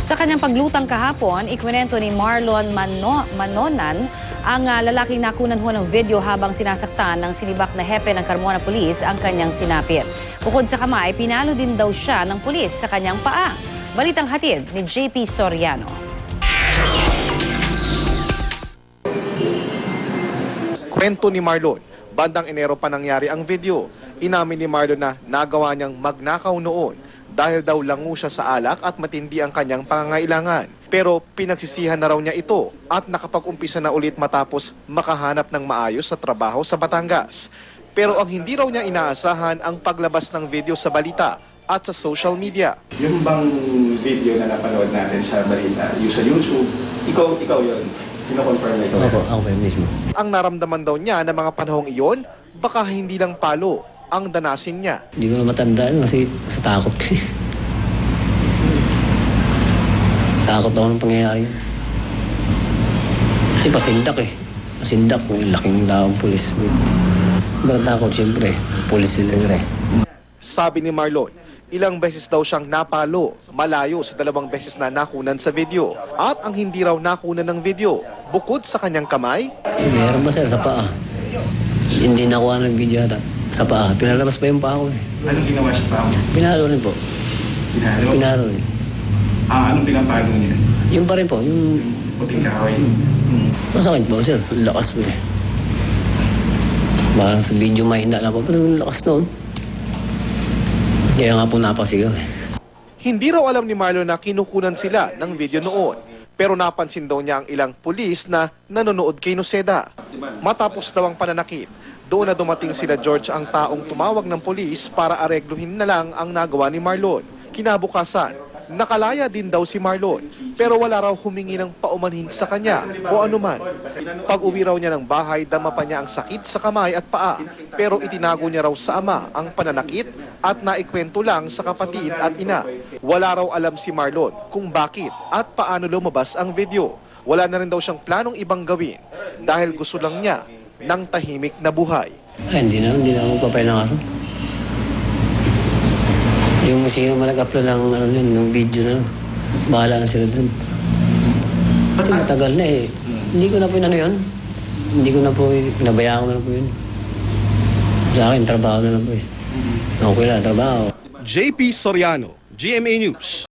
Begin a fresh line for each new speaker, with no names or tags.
Sa kanyang paglutang kahapon, ikwento ni Marlon Manonan ang lalaking nakunan ho ng video habang sinasaktan ng sinibak na hepe ng Carmona Police ang kanyang sinapit. Bukod sa kamay, pinalo din daw siya ng pulis sa kanyang paa. Balitang hatid ni JP Soriano.
Kwento ni Marlon, bandang Enero pa nangyari ang video. Inamin ni Marlon na nagawa niyang magnakaw noon dahil daw lango siya sa alak at matindi ang kanyang pangangailangan. Pero pinagsisihan na raw niya ito at nakapag-umpisa na ulit matapos makahanap ng maayos sa trabaho sa Batangas. Pero ang hindi raw niya inaasahan ang paglabas ng video sa balita at sa social media.
Yung bang video na napanood natin sa balita, yung sa YouTube, ikaw yun. Kino-confirm na ikaw.
Opo, ako yun mismo.
Ang naramdaman daw niya na mga panahong iyon, baka hindi lang palo ang danasin niya.
Hindi ko na matandaan kasi sa takot ko. Takot ako ng pangyayari yun. Kasi pasindak eh. Pasindak, may laking daong pulis. Ba't takot siyempre, pulis sila eh.
Sabi ni Marlon, ilang beses daw siyang napalo, malayo sa 2 beses na nakunan sa video. At ang hindi raw nakunan ng video, bukod sa kanyang kamay,
Meron ba sir sa paa? Hindi nakuha ng video ata. Sa paa. Pinalabas pa yung paa ko eh.
Anong ginawa siya pa?
Pinalo rin po.
Pinalo?
Pinalo rin.
Anong pinapalo niya?
Yung pa rin po. Yung
Puting kahoy.
masakit po sir. Lakas po eh. Parang sa video mahina lang po. Pero lakas noon. Kaya nga po napasigaw eh.
hindi raw alam ni Marlon na kinukunan sila ng video noon. Pero napansin daw niya ang ilang pulis na nanonood kay Noceda. Matapos daw ang pananakit, doon na dumating sila George ang taong tumawag ng pulis para aregluhin na lang ang nagawa ni Marlon. Kinabukasan, nakalaya din daw si Marlon pero wala raw humingi ng paumanhin sa kanya o anuman. Pag-uwi raw niya ng bahay, dama pa niya ang sakit sa kamay at paa pero itinago niya raw sa ama ang pananakit at naikwento lang sa kapatid at ina. Wala raw alam si Marlon kung bakit at paano lumabas ang video. Wala na rin daw siyang planong ibang gawin dahil gusto lang niya ng tahimik na buhay.
Ay, hindi na ako papel ng kaso. Yung sino man nag-upload ng, ng video na, bahala na sila dun. Kasi matagal na eh. Hindi ko na po yun. Hindi ko na po, pinabayaan ko na po yun. Sa akin, trabaho na lang po eh. Okay lang, trabaho.
JP Soriano, GMA News.